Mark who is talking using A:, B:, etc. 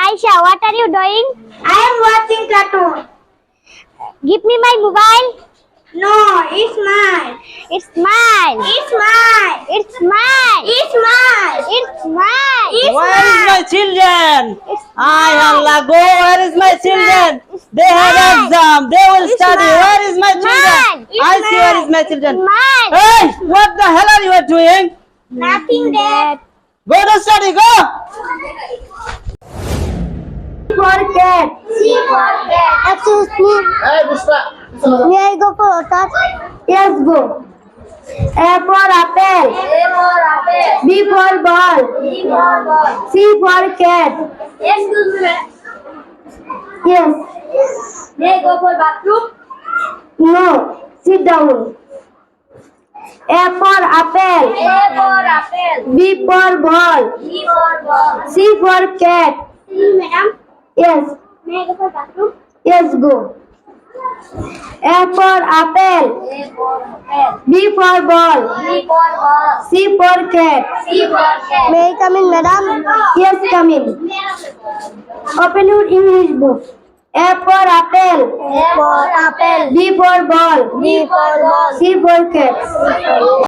A: Aisha, what are you doing?
B: I am watching cartoon.
A: Give me my mobile.
B: No, it's mine.
A: It's mine.
B: It's mine.
A: It's mine.
B: It's mine.
A: It's mine.
B: It's
C: Where is
B: mine.
C: my children?
A: It's
C: Ay Allah, go. Where is my children?
A: It's
C: They have
A: mine.
C: exam. They will
A: It's
C: study.
A: mine.
C: Where is my
A: It's
C: children?
A: mine. It's
C: I see where is my
A: It's
C: children.
A: mine.
C: Hey, what the hell are you doing?
B: Nothing there.
C: Go to study. Go.
A: For cat.
B: C for cat.
A: Excuse me.
C: Hey, Pushpa.
A: May I go for a touch? Yes, go. A for apple.
B: A for apple.
A: B for ball.
B: B for ball.
A: C for cat.
B: Excuse me, madam.
A: Yes.
B: May I go for bathroom?
A: No. Sit down. A for apple.
B: A for apple.
A: B for ball.
B: B for ball.
A: C for cat.
B: Excuse me, madam.
A: Yes.
B: May I go for bathroom?
A: Yes, go. A for apple.
B: A for apple.
A: B for ball.
B: B for ball.
A: C for cat.
B: C for cat.
A: May I come in, madam? Yes, come in. Open your English book. A for apple.
B: A for apple.
A: B for ball.
B: B for ball.
A: C for cat.